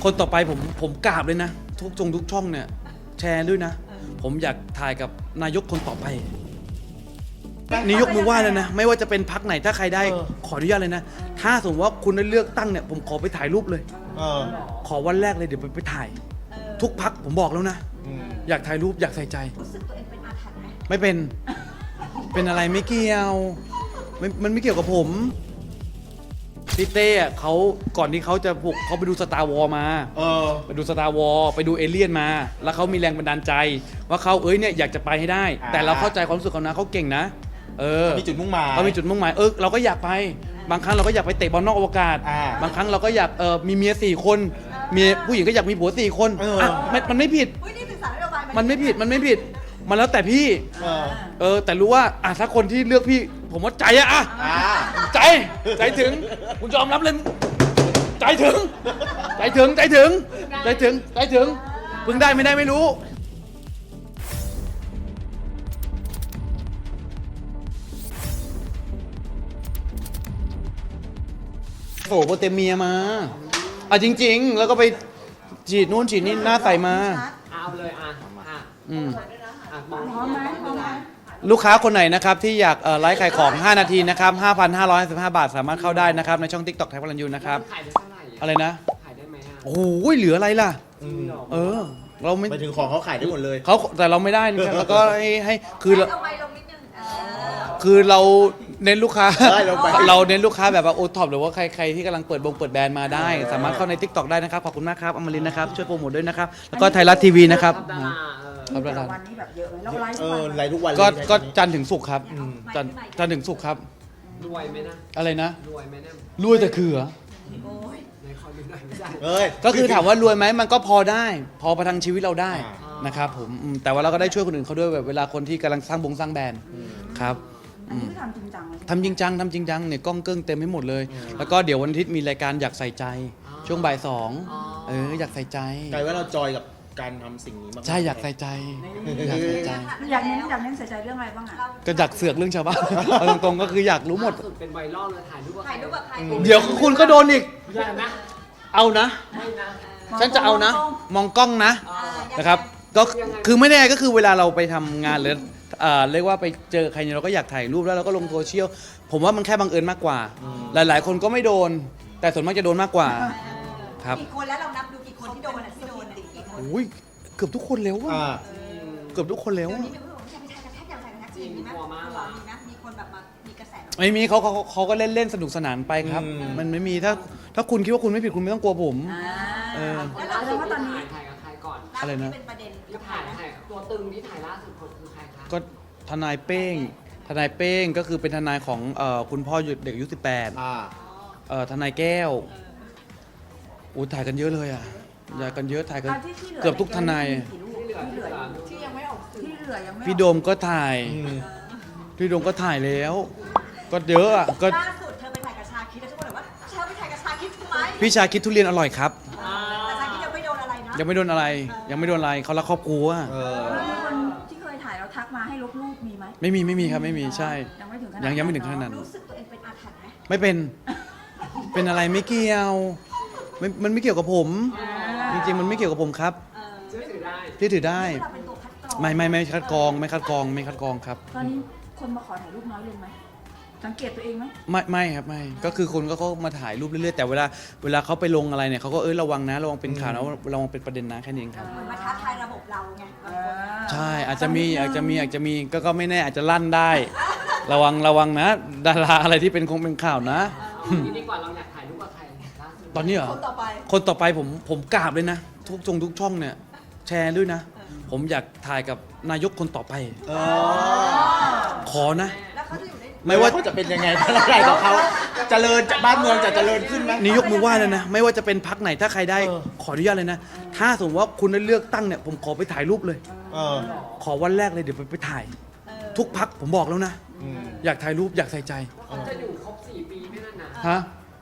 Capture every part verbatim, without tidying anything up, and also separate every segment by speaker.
Speaker 1: คนต่อไปผมผมกราบเลยนะทุกจงทุกช่องเนี่ยแชร์ด้วยนะผมอยากถ่ายกับนายกคนต่อไปนี่ยกมือไหว้เลยนะไม่ว่าจะเป็นพรรคไหนถ้าใครได้ขออนุญาตเลยนะถ้าสมมติว่าคุณได้เลือกตั้งเนี่ยผมขอไปถ่ายรูปเลยขอวันแรกเลยเดี๋ยวไปไปถ่ายทุกพรรคผมบอกแล้วนะอยากถ่ายรูปอยากใส่ใจ
Speaker 2: รู้สึกตัวเองเป็นอาถรรพ์ไหม
Speaker 1: ไม่เป็นเป็นอะไรไม่เกี่ยวไม่มันไม่เกี่ยวกับผมพี่เต้เขาก่อนที่เขาจะบุกเขาไปดูสตาร์วอลมาเออไปดูสตาร์วอลไปดูเอเลี่ยนมาแล้วเขามีแรงบันดาลใจว่าเขาเอ้ยเนี่ยอยากจะไปให้ได้แต่เราเข้าใจความรู้สึกเขานะเขาเก่งนะเออ
Speaker 3: มีจุดมุ่งหมาย
Speaker 1: เขามีจุดมุ่งหมายเออเราก็อยากไปบางครั้งเราก็อยากไปเตะบอลนอกอวกาศบางครั้งเราก็อยากเออมีเมียสี่คนเมียผู้หญิงก็อยากมีผัวสี่คนอ่ะมันมันไม่ผิดมันไม่ผิดมันไม่ผิดมันแล้วแต่พี่เออแต่รู้ว่าอ่ะถ้าคนที่เลือกพี่ผมว่าใจอะอ่ะใจใจถึงคุณยอมรับเลยใจถึงใจถึงใจถึงใจถึงใจถึงพึงได้ไม่ได้ไม่รู้โอ้โหเตเมียมาอ่ะจริงๆแล้วก็ไปฉีดนู่นฉีดนี่หน้าใสมา
Speaker 4: เอาเลยอ่ะอ่ะ
Speaker 1: อืม
Speaker 2: พร้อมไหมพร้อมไหม
Speaker 1: ลูกค้าคนไหนนะครับที่อยากเอ่อไลฟ์ขายของห้านาทีนะครับ ห้าพันห้าร้อยสิบห้า บาทสามารถเข้าได้นะครับในช่อง TikTok ไทยพลันยูนะครับ
Speaker 4: ขายได้เท่าไหร่
Speaker 1: อะไรนะ
Speaker 4: ขายได้ไหมอ่ะ
Speaker 1: โอ้ยเหลืออะไรล่ะเออเราไม่
Speaker 3: ไปถึงของเขาขายได้หมดเลย
Speaker 1: เขาแต่เราไม่ได้นะครับแล้วก็ให้ให้คือเรา
Speaker 2: ลงไปลงนิดนึงเออ
Speaker 1: คือเราเน้นลูกค้า
Speaker 3: ได้ลงไป
Speaker 1: เราเน้นลูกค้าแบบว่าโอท็อปหรือว่าใครใครที่กำลังเปิดบงเปิดแบรนด์มาได้ สามารถเข้าใน TikTok ได้นะครับขอบคุณมากครับอมรินทร์นะครับช่วยโปรโมทด้วยนะครับแล้วก็ไทยรัฐทีวีนะครับ
Speaker 4: ดาราเออ
Speaker 2: มีแต่วันนี้แบบเยอะเลยเราไลฟ์
Speaker 3: เอ
Speaker 2: ทุก
Speaker 3: อ
Speaker 2: วัน
Speaker 3: ไลฟ์ทุกวันเลย
Speaker 1: ก็
Speaker 3: ใช่ไหม
Speaker 1: ก็จันทร์ถึงศุกร์ครับ
Speaker 3: อืม
Speaker 1: จันทร์จันทร์ถึงศุกร์ครับ
Speaker 4: รวยไหมนะ
Speaker 1: อะไรนะ
Speaker 4: รวยไหมเนี่ย
Speaker 1: รวยแต่คือเหรอ
Speaker 2: โอ้ย
Speaker 4: ในคอดูหน่อยไม่ได้
Speaker 3: เอ้ย
Speaker 1: ก็คือถามว่ารวยไหมมันก็พอได้ พอประทังชีวิตเราได้
Speaker 3: อ่า
Speaker 1: นะครับผมอืมแต่ว่าเราก็ได้ช่วยคนอื่นเขาด้วยแบบเวลาคนที่กำลังสร้างบงสร้างแบรนด์ครับ
Speaker 2: อันนี้คือทำจริงจังเลย
Speaker 1: ทำจริงจังทำจริงจังเนี่ยกล้องเกิ้งเต็มให้หมดเลย แล้วก็เดี๋ยววันอาทิตย์มีรายการอยากใส่ใจ ช่วงบ่ายสองเอออยากใส่ใจ
Speaker 3: กลายว่าเราจอยกับการทำสิ่งนี้มากๆ
Speaker 1: ใช่อยากใส่ใจอยากใส่ใจ
Speaker 2: อยากเน้นอยากเน้นใส่ใจเรื่องอะไรบ้างอ่ะ
Speaker 1: ก็อยากเสือกเรื่องชาวบ้าน เอาตรงๆก็คืออยากรู้หมด
Speaker 4: ล่าสุดเป็นไวรัลเลยถ่ายรูปกับ
Speaker 2: ถ่ายรูปกับใคร
Speaker 1: เดี๋ยวคุณก็โดนอีก
Speaker 4: อย่านะ
Speaker 1: เอานะ
Speaker 4: ไม่นะ
Speaker 1: ฉันจะเอานะ มองกล้องนะ
Speaker 4: อ่า
Speaker 1: นะครับก็คือไม่แน่ก็คือเวลาเราไปทำงานหรือเอ่อเรียกว่าไปเจอใครเนี่ยเราก็อยากถ่ายรูปแล้วเราก็ลงโซเชียลผมว่ามันแค่บังเอิญมากกว่า หลายๆ คนก็ไม่โดน แต่ส่วนมากจะโดนมากกว่าครับ
Speaker 2: กี่คนแล้วเรานับดูกี่คนที่โดนอ่ะที่โดนอ่ะกี่คน
Speaker 1: โอ้ยเกือบทุกคนแล้วว่ะ
Speaker 3: อ่า
Speaker 1: เกือบทุกคนแล้ว
Speaker 2: เดี๋ยว
Speaker 1: อะ
Speaker 2: นี้มีคนบอกว่าอยากไปถ่ายกับแท็กอยากถ่ายกับแท็กจริงมีไหมมีนะมีคนแบบมามีกระแส
Speaker 1: ไม่มีเขาเขาเขาก็เล่นเล่นสนุกสนานไปครับ
Speaker 3: อืม
Speaker 1: มันไม่มีถ้าถ้าคุณคิดว่าคุณไม่ผิดคุณไม่ต้องกลัวผม เออ
Speaker 2: แล้วเราคิดว่าตอนนี้
Speaker 4: ถ่ายกับใครก่อน
Speaker 1: อะไรนะ
Speaker 2: เป็นประเด็น
Speaker 4: ที่ถ่ายถ่ายตัวตึงที่ถ่ายล่าสุดคนคือใครคะ
Speaker 1: ก็ทนายเป้ง ทนายเป้งก็คือเป็นทนายของเอ่อคุณพ่อเด็กอายุสิบแปด
Speaker 3: อ่า
Speaker 1: เอ่อทนายแก้วอู้ถ่ายกันเยอะเลยอ่ะถ่ายกันเยอะถ่ายกัน
Speaker 2: อ่ะที่ที่หลื
Speaker 1: เกือบทุกทนาย
Speaker 2: ที่เหลือที่เหลือที่ยังไม่ออกที่เหลือยังไม่ออก
Speaker 1: พี่โดมก็ถ่าย
Speaker 3: อืม
Speaker 1: พี่โดมก็ถ่ายแล้ว ก็เยอะอ่ะก็
Speaker 2: ล่าสุดเธอไปถ่ายกับชาคิดแล้วทุกคนบอกว่าเธอไปถ่ายกับชาคิดทำไม
Speaker 1: พี่ชาคิดทุเรียนอร่อยครับ
Speaker 2: แต่ชาคิดยังไม่โดนอะไรนะ
Speaker 1: ยังไม่โดนอะไร ยังไม่โดนอะไรเขารักครอบครัว
Speaker 3: เออ
Speaker 2: แล้วมีคนที่เคยถ่ายแล้วทักมาให้ลบรูปมีไหม
Speaker 1: ไม่มีไม่มีครับไม่มีใช่
Speaker 2: ยังไม่ถึงขนาด
Speaker 1: ยังยังไม่ถึงขนาดนั้น
Speaker 2: รู้สึกตัวเองเป็นอาถรรพ์ไหม
Speaker 1: ไม่เป็น เป็นอะไรไม่เกี่ยวไม่มันไม่เกี่ยวกับผม จริงๆมันไม่เกี่ยวกับผมครับ
Speaker 2: เออ
Speaker 4: เชื่อถือได้
Speaker 1: ที่ถือได้
Speaker 2: เราเป็นตัวคัดกรอง
Speaker 1: ไม่ไม่ไม่คัดกรองไม่คัดกรองไม่คัดกรองครับ
Speaker 2: ตอนนี้คนมาขอถ่ายรูปน้อยลงไหมสังเกตตัวเองไหม
Speaker 1: ไม่ไม่ครับไม่ก็คือคนก็เขามาถ่ายรูปเรื่อยๆแต่เวลาเวลาเขาไปลงอะไรเนี่ยเขาก็เอ้ยระวังนะระวังเป็นข่าวนะระวังเป็นประเด็นนะแค่นี้เองครับ
Speaker 2: เหมือนมาท้าทายระบบเราไงบางคน
Speaker 1: ใช่อาจจะมีอาจจะมีอาจจะมีก็ก็ไม่แน่อาจจะลั่นได้ ระวังระวังนะ ดาราอะไรที่เป็นคงเป็นข่าวนะ
Speaker 4: เอางี้ดีกว่าเราอยากถ่ายรูปกับใครล่าสุด
Speaker 1: ตอนนี้เหรอ
Speaker 2: คนต่อไป
Speaker 1: คนต่อไปผมผมกราบเลยนะ ทุกจงทุกช่องเนี่ยแชร์ด้วยนะ ผมอยากถ่ายกับนายกคนต่อไป
Speaker 3: เออ
Speaker 1: ขอนะ
Speaker 2: แล้วเขาจะอยู่ใน
Speaker 1: ไม่ว่า
Speaker 3: เขาจะเป็นยังไงถ้าเราได้กับเขาเจริญบ้านเมืองจะเจริญขึ้นไหม
Speaker 1: นี่ยกมือไหว้เลยนะ ไม่ว่าจะเป็นพักไหนถ้าใครได้
Speaker 3: เออ
Speaker 1: ขออนุญาตเลยนะ ถ้าสมมติว่าคุณได้เลือกตั้งเนี่ยผมขอไปถ่ายรูปเลย
Speaker 3: เออ
Speaker 1: ขอวันแรกเลยเดี๋ยวไปไปถ่าย ทุกพักผมบอกแล้วนะ
Speaker 3: อืม
Speaker 1: อยากถ่ายรูปอยากใส่ใจ
Speaker 4: เขาจะอยู่ครบสี่ปีไม่นั่นนะ
Speaker 1: ฮะ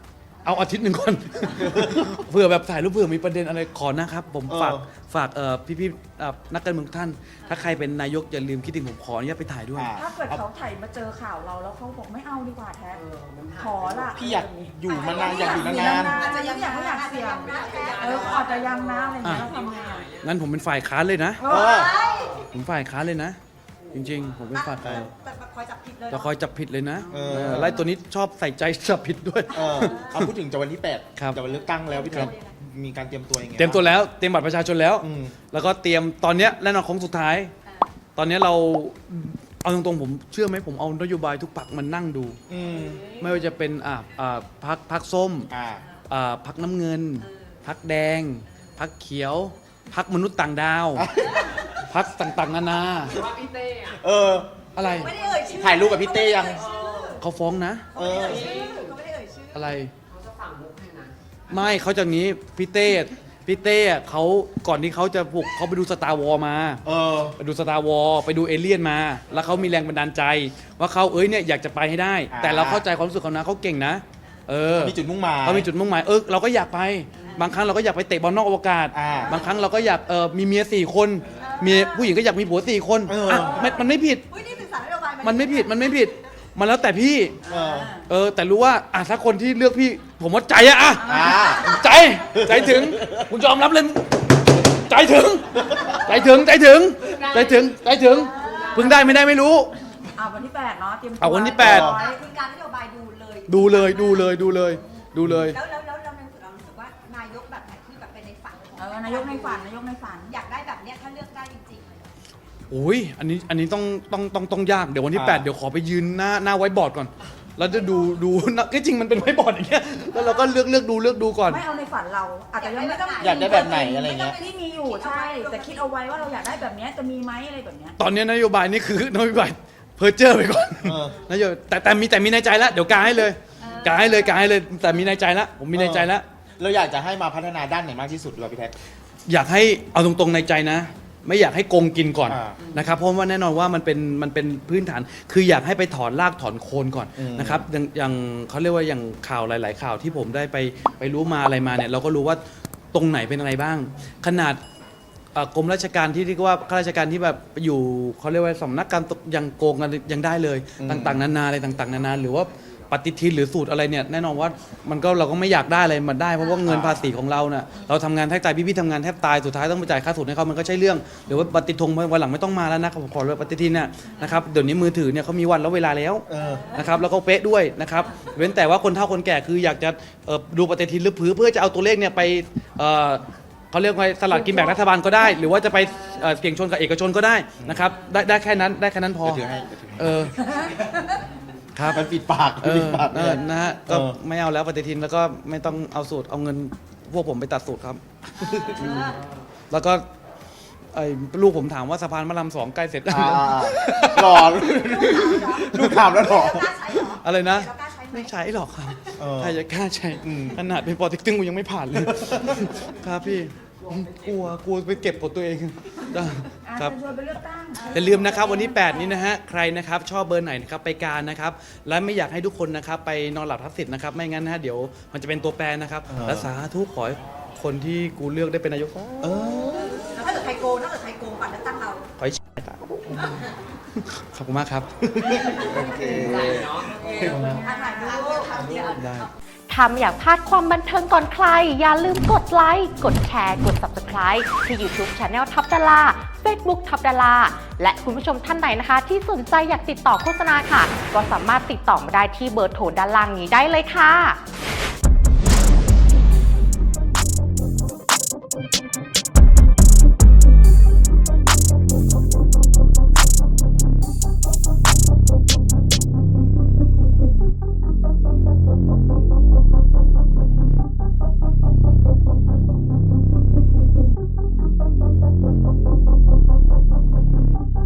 Speaker 1: เอาอาทิตย์หนึ่งก่อน เผื่อแบบถ่ายรูปเผื่อมีประเด็นอะไรขอนะครับผมฝากฝากเอ่อพี่ๆเอ่อนักการเมืองทุกท่าน ถ้าใครเป็นนายกอย่าลืมคิดถึงผมขออนุญาตไปถ่ายด้วย
Speaker 3: อ่า
Speaker 5: ถ้าเกิดเขาถ่ายมาเจอข่าวเราแล้วเขาบอกไม่เอาดีกว่าแท็กขอละ
Speaker 3: พี่อยากอยู่มานานอยากอยู่นาน
Speaker 5: อาจจะยังอยากไม่อยากเสี่ยงเอออาจจะยังนะอะไรอย่างเงี้ยเราทำไงอ่ะ
Speaker 1: งั้นผมเป็นฝ่ายค้านเลยนะ
Speaker 3: ๆเออ
Speaker 1: ผมฝ่ายค้านเลยนะ จริงๆ ผมเป็นฝ่ายค้าน
Speaker 2: แต่คอยจับผิดเลย
Speaker 1: จะคอยจับผิดเลยนะ
Speaker 3: เออ
Speaker 1: เออไล่ตัวนี้ชอบใส่ใจจับผิดด้วย
Speaker 3: เออเอาพูดถึงจะวันที่แปด
Speaker 1: ครับ
Speaker 3: จะวันเลือกตั้งแล้วพี่แท็กมีการเตรียมตัวยังไง
Speaker 1: เตรียมตัวแล้วเตรียมบัตรประชาชนแล้ว
Speaker 3: อืม
Speaker 1: แล้วก็เตรียมตอนเนี้ยแน่นอนของสุดท้าย ตอนเนี้ยเราเอาตรงๆผมเชื่อไหมผมเอานโยบายทุกปักมันนั่งดู
Speaker 3: อืม
Speaker 1: ไม่ว่าจะเป็นอ่าอ่าพักพักส้ม
Speaker 3: อ่า
Speaker 1: อ่าพักน้ำเงิน พักแดง พักเขียว พักมนุษย์ต่างดาว พักต่างๆนานา
Speaker 4: หรือว่าพี่เต้อะ
Speaker 3: เออ
Speaker 1: อะไร
Speaker 2: ไม่ได้เอ่ยชื่อ
Speaker 3: ถ่ายรูปกับพี่เต้ยัง
Speaker 1: เขาฟ้องนะ
Speaker 3: เออ
Speaker 2: ชื่อเขาไม่ได้เอ่ยชื่อ
Speaker 1: อะไร
Speaker 4: เขาจะฝังมุกให้นะ
Speaker 1: ไม่เขาจากนี้พี่เต้พี่เต้เขาก่อนที่เขาจะบุกเขาไปดูสตาร์วอลมา
Speaker 3: เออ
Speaker 1: ไปดูสตาร์วอลไปดูเอเลี่ยนมา แล้วเขามีแรงบันดาลใจ ว่าเขาเอ้ยเนี่ยอยากจะไปให้ได้
Speaker 3: อ่า
Speaker 1: แต่เราเข้าใจความรู้สึกเขานะเขาเก่งนะ เออ
Speaker 3: มีจุดมุ่งหมาย
Speaker 1: เขามีจุดมุ่งหมายเออเราก็อยากไป บางครั้งเราก็อยากไปเตะบอลนอกอวกาศ
Speaker 3: อ่า
Speaker 1: บางครั้งเราก็อยากเออมีเมียสี่คนเมียผู้หญิงก็อยากมีผัวสี่คน
Speaker 3: เอออ่
Speaker 1: ะมันมันไม่ผิด
Speaker 2: อุ้ยนี่ศึกษานโยบายา
Speaker 1: มันไม่ผิดมันไม่ผิด มันแล้วแต่พี่
Speaker 3: เออ
Speaker 1: เออแต่รู้ว่าอ่ะถ้าคนที่เลือกพี่ ผมว่าใจอะอะ
Speaker 3: อ่า
Speaker 1: ใจใจถึงคุณยอมรับเลย ใจถึง ใจถึงใจถึง ใจถึงใจถึงเพึ่งได้ไม่ได้ไม่รู้
Speaker 5: เอาวันที่แปดเนาะเตรียมตัว
Speaker 1: เอาวันที่แปด
Speaker 5: ร้อย
Speaker 2: คือการนโยบายดูเลย
Speaker 1: ดูเลยดูเลยดูเลย ดูเลย
Speaker 2: แล้วแล้วแล้วเราในเรารู้สึกว่านายกแบบไหนที่แบบเป็นในฝันของ
Speaker 5: เออนายกในฝันนายกในฝัน
Speaker 2: อยากได้แบบเนี้ยถ้าเลือกได้จริงๆเลย
Speaker 1: โอ้ยอันนี้อันนี้ต้องต้องต้องต้องยากเดี๋ยววันที่
Speaker 3: อ่า
Speaker 1: แปดเดี๋ยวขอไปยืนหน้าหน้าไว้บอร์ดก่อน แล้วจะดูดูนะก็จริงมันเป็นไว้บอร์ดอย่างเงี้ยแล้วเราก็เลือกเลือกดูเลือกดูก่อน
Speaker 5: ไม่เอาในฝันเราอาจจะยังไม่ต้อง
Speaker 3: อยากได้แบบไหนอะไรเงี้ย
Speaker 5: ที่มีอยู่ใช่ แต่คิดเอาไว้ว่าเราอยากได้แบบเนี้ยจะมีไหมอะไรแบบเนี้ย
Speaker 1: ตอนนี้นโยบายนี่คือนโยบายเพอร์เจอร์ไปก่อน
Speaker 3: เออ
Speaker 1: นโยบายแต่แต่มีแต่มีในใจแล้วเดี๋ยวกาให้เลยกาให้เลยกาให้เลยแต่มีในใจแล้วผมมีในใจแล้ว
Speaker 3: เราอยากจะให้มาพัฒนาด้านไหนมากที่สุดด้วยพี่แท็ก
Speaker 1: อยากให้เอาตรงๆในใจนะ ไม่อยากให้โกงกินก่อน
Speaker 3: อ่า
Speaker 1: นะครับเพราะว่าแน่นอนว่ามันเป็นมันเป็นพื้นฐาน คืออยากให้ไปถอนรากถอนโคนก่อน
Speaker 3: อืม
Speaker 1: นะครับอย่างอย่างเขาเรียกว่าอย่างข่าวหลาย ๆ ข่าวที่ผมได้ไปไปรู้มาอะไรมาเนี่ยเราก็รู้ว่าตรงไหนเป็นอะไรบ้าง ขนาดเอ่อกรมราชการที่เรียกว่าข้าราชการที่แบบอยู่เขาเรียกว่าสำนักการตกยังโกงกันยังได้เลย
Speaker 3: อืม
Speaker 1: ต่างๆนานาอะไรต่างๆนานาหรือว่าปฏิทินหรือสูตรอะไรเนี่ยแน่นอนว่ามันก็เราก็ไม่อยากได้อะไรมาได้เพราะว่าเงินภาษีของเราเน่ะเราทำงานแทบตายพี่ๆทำงานแทบตายสุดท้ายต้องไปจ่ายค่าสูตรให้เขามันก็ใช่เรื่องหรือว่าปฏิทงวันหลังไม่ต้องมาแล้วนะครับผมขอเลยปฏิทินเนี่ยนะครับเดี๋ยวนี้มือถือเนี่ยเขามีวันแล้วเวลาแล้ว
Speaker 3: เออ
Speaker 1: นะครับแล้วก็เป๊ะด้วยนะครับเว้นแต่ว่าคนเฒ่าคนแก่คืออยากจะเอ่อดูปฏิทินหรือผือเพื่อจะเอาตัวเลขเนี่ยไปเอ่อเขาเรียกว่าสลากกินแบ่งรัฐบาลก็ได้ หรือว่าจะไปเอ่อเสี่ยงชนกับเอกชนก็ได้นะครับได้ได้แค่นั้นได้แค่นั้นพอ
Speaker 3: จะถือให้จะถือให้
Speaker 1: เออครับ
Speaker 3: มันปิดปาก
Speaker 1: เอ
Speaker 3: ปิ
Speaker 1: อ
Speaker 3: ดปาก
Speaker 1: เออนะฮะก็
Speaker 3: เออ
Speaker 1: ไม่เอาแล้วปฏิทินแล้วก็ไม่ต้องเอาสูตรเอาเงินพวกผมไปตัดสูตรครับ แล้วก็ไอ้ลูกผมถามว่าสะพานมะลำสองใกล้เสร็จยัง
Speaker 3: อ่าหล่อลูกถามแล้วหล่อ
Speaker 2: เรากล้าใช้เหรอ
Speaker 1: อะไรนะ
Speaker 2: เรากล้าใช้ไหม
Speaker 1: ไม่ใช้หรอกครับ
Speaker 3: เออ
Speaker 1: ใครจะกล้าใช้
Speaker 3: อืม
Speaker 1: ขนาดเป็นปอเต็กตึงกูยังไม่ผ่านเลย ครับพี่กลัวกลัวไปเก็บกดตัวเองได้
Speaker 5: อาจ
Speaker 1: ครับ
Speaker 5: จะชวนไปเลือกตั้ง
Speaker 1: อย่าลืมนะครับวันที่แปดนี้นะฮะใครนะครับชอบเบอร์ไหนนะครับไปการนะครับและไม่อยากให้ทุกคนนะครับไปนอนหลับทับสิทธิ์นะครับไม่งั้นนะฮะเดี๋ยวมันจะเป็นตัวแปรนะครับ
Speaker 3: เออ
Speaker 1: และสาธุขอให้คนที่กูเลือกได้เป็นนายก
Speaker 3: เออ
Speaker 2: แล้วถ้าเกิดใครโกงถ้าเกิดใครโกงก่อนเลือกตั้งเรา
Speaker 1: ขอให้ตายขอบคุณมากครับ
Speaker 3: โอเค
Speaker 4: ใส่เนาะ
Speaker 2: อ่ะถ่ายรูปทำเดียว
Speaker 1: ได้
Speaker 6: ถ้าไม่อยากพลาดความบันเทิงก่อนใคร อย่าลืมกดไลค์ กดแชร์ กด ซับสไครบ์ ที่ YouTube Channel ทับดารา Facebook ทับดารา และคุณผู้ชมท่านไหนนะคะ ที่สนใจอยากติดต่อโฆษณาค่ะ ก็สามารถติดต่อมาได้ที่เบอร์โทรด้านล่างนี้ได้เลยค่ะ